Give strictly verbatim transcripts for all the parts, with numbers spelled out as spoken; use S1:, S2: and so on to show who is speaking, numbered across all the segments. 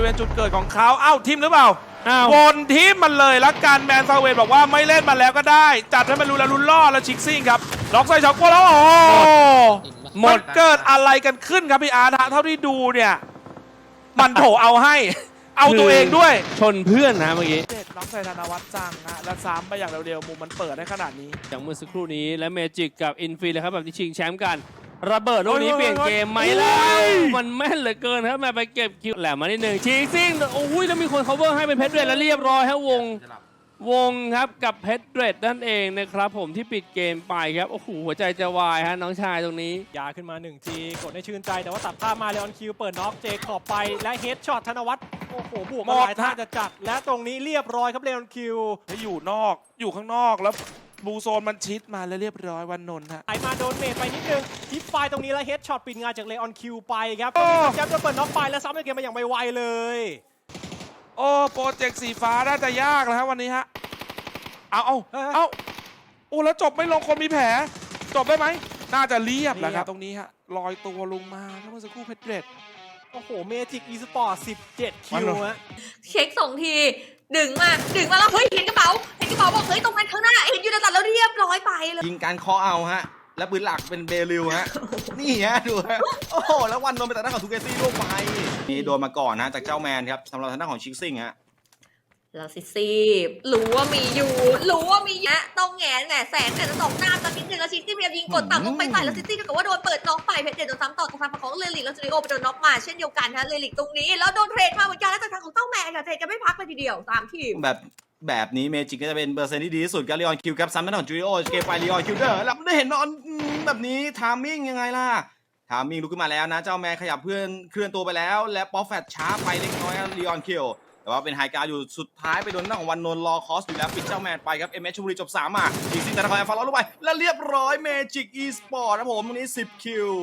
S1: ณจุดเกิดของเขาเอ้าทิมหรือเปล่า
S2: อ้าว
S1: วนทิมมันเลยแล้วการแมนซาเวนบอกว่าไม่เล่นมาแล้วก็ได้จัดให้มันรู้แล้วรุนล่อแล้วชิกซิ่งครับล็อกใส่ช็อตโกแล้วโอ้หมดเกิดอะไรกันขึ้นครับพี่อาร์ตเท่าที่ดูเนี่ยมันโถเอาให้เอาตัวเองด้วย
S2: ชนเพื่อนนะเมื่อกี้
S1: เด็ดล็อกใส่ธนวัฒน์จังนะแล้วซ้ำไปอย่างเร็วๆมุมมันเปิดได้ขนาดนี้
S2: อย่างเมื่อสักครู่นี้และเมจิกกับอินฟินเลยครับแบบที่ชิงแชมป์กันระเบิดลูกนี้
S1: โอ้ย
S2: เปลี่ยนเกมไหม
S1: โอ้ย
S2: แล้วมันแม่นเหลือเกินครับแม่ไปเก็บคิวแหลมมานิดหนึ่งชิงซิ่งโอ้ยแล้วมีคน cover ให้เป็นเพชรเรดแล้วเรียบร้อยครับวงวงครับกับเพชรเรดนั่นเองนะครับผมที่ปิดเกมไปครับโอ้โหหัวใจจะวายฮะน้องชายตรงนี้
S3: ยาขึ้นมาหนึ่งทีกดให้ชื่นใจแต่ว่าตัดภาพมาเลออนคิวเปิดน็อกเจขอบไปและเฮดช็อตธนวัฒน์โอ้โหบวกมาหลายท่าจะจัดและตรงนี้เรียบร้อยครับเลออนคิว
S1: ถ้าอยู่นอกอยู่ข้างนอกแล้วบูโซนมันชิดมาแล้วเรียบร้อยวันนนท์ฮะ
S3: ไอมาโดนเมทไปนิดนึงทิปไฟตรงนี้แล้วเฮดช็อตปิดงานจากเลออนคิวไปครับ
S1: โอ้
S3: แจ๊บจะเปิดน็อกไปและซ้ำในเกมมาอย่างไวๆเลย
S1: โอ้โปรเจกต์สีฟ้าน่าจะยากแล้วฮะวันนี้ฮะเอาเอา
S3: เออ
S1: เอาโอ้แล้วจบไม่ลงคนมีแผลจบได้ไหมน่าจะเรียบแล้วค
S3: เรี
S1: รั
S3: ย
S1: บบ ตรงนี้ฮะลอยตัวลงมาแล้วเมื่อสักครู่เพชรเรด
S3: โอ้โหเมจิกอีสปอร์ตสิบเจ็ดคิวฮะ
S4: เช็คสองทีดึงมาดึงมาแล้วเฮ้ยเห็นกระเป๋าเห็นกระเป๋าบอกเฮ้ยตรงนั้นข้างหน้าเห็นยูนาตัดแล้วเรียบร้อยไปเลย
S5: ยิงการเคาะเอาฮะ แล้วปืนหลักเป็นเบลิวฮะ นี่ฮะ ดูฮะ โอ้โห แล้ววันโดนไปแต่หน้านของทูเกซี่ลูกไปนี่โดนมาก่อนนะจากเจ้าแมนครับสำหรับทางด้านของชิคซิงฮะ
S4: แล้วซิซี่รู้ว่ามีอยู่รู้ว่ามีแยะต้องแงนแหมแสงแต่จะตกหน้าตอนนิดนึงแล้วซิซี่พยายามยิงกดต่ำลงไปใส่แล้วซิซี่ก็ว่าโดนเปิดน็อกไปเพชรเด่นโดนซ้ำต่อจากทางฝั่งของเลลิกแล้วจูริโอไปโดนน็อกมาเช่นเดียวกันฮะเลลิกตรงนี้แล้วโดนเทรดมาเหมือนกันแล้วจากทางของเต้าแมนค่ะเทรดกันไม่พักเลยทีเดียวสามทีม
S5: แบบแบบนี้เมจิกก็จะเป็นเปอร์เซ็นต์ที่ดีที่สุดกับลีออนคิวครับซ้ำทางด้านของจูริโอเกมไปลีออนคิวเดอร์แล้วได้เห็นนอนแบบนี้ทามมิ่งยังไงล่ะทามมิ่งลุกขึ้นมาแล้วนะเจ้าแมนขยับเพื่อนเคลื่อนตัวไปแล้วและป๊อปแฟตช้าไปเล็กน้อยลีออนคิวแต่ว่าเป็นไฮการ์อยู่สุดท้ายไปโดนหน้าของวันนนท์รอคอสอยู่แล้วปิดเจ้าแมนไปครับเอ็มเอชชลบุรีจบสามมาอีกสิบแต่ละคอยฟาร์ลลงไปแล้วเรียบร้อยเมจิกอีสปอร์ตนะผมตรงนี้สิบคิว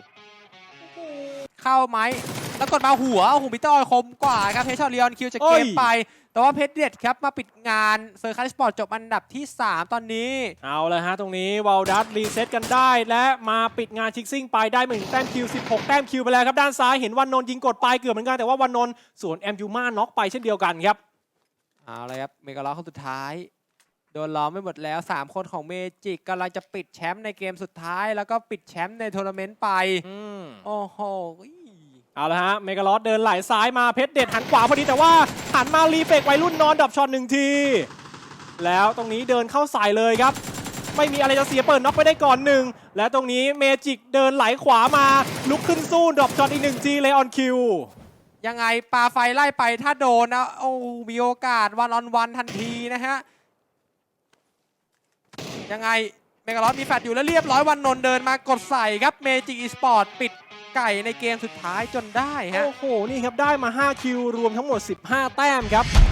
S6: เข้าไหมแล้วกดมาหัวโอ้โหพิเตอร์คมกว่าครับเพชรชอตลีออนคิวจะ
S3: โอ้
S6: เก
S3: ย
S6: มไป แต่ว่าเพชรเด็ดครับมาปิดงานเซอร์คัสสปอร์ตจบอันดับที่ สาม ตอนนี้
S3: เอาเลยฮะตรงนี้วอลดัสรีเซ็ตกันได้และมาปิดงานชิกซิ่งไปได้มาถึงแต้มคิวสิบหกแต้มคิวไปแล้วครับด้านซ้ายเห็นวันนนท์ยิงกดไปเกือบเหมือนกันแต่ว่าวันนนท์สวนแอมยูมาน็อกไปเช่นเดียวกันครับ
S6: เอาเลยครับเมกาล็อกคนสุดท้าย โดนล้อมไม่หมดแล้ว สาม คนของเมจิกกำลังจะปิดแชมป์ในเกมสุดท้าย แล้วก็ปิดแชมป์ในทัวร์นาเมนต์ไป
S3: อืม
S6: โอ้โห
S3: เอาละฮะเมกาลอสเดินไหลซ้ายมาเพชรเด็ดหันขวาพอดีแต่ว่าหันมารีเฟกวัยรุ่นนอนดับช็อตหนึ่งที แล้วตรงนี้เดินเข้าใส่เลยครับ ไม่มีอะไรจะเสียเปิดน็อกไปได้ก่อนหนึ่งและตรงนี้เมจิกเดินไหลขวามาลุกขึ้นสู้ดับช็อตอีกหนึ่งทีเลออนคิว
S6: ยังไงปาไฟไล่ไปถ้าโดนนะโอ้มีโอกาสวันออนวันทันทีนะฮะ ยังไงเมกาลอสมีแฟลชอยู่แล้วเรียบร้อยวันนนท์เดินมากดใส่ครับเมจิกอีสปอร์ตปิดไก่ในเกมสุดท้ายจนได้ฮะ
S3: โอ้โหนี่ครับได้มาห้าคิวรวมทั้งหมดสิบห้าแต้มครับ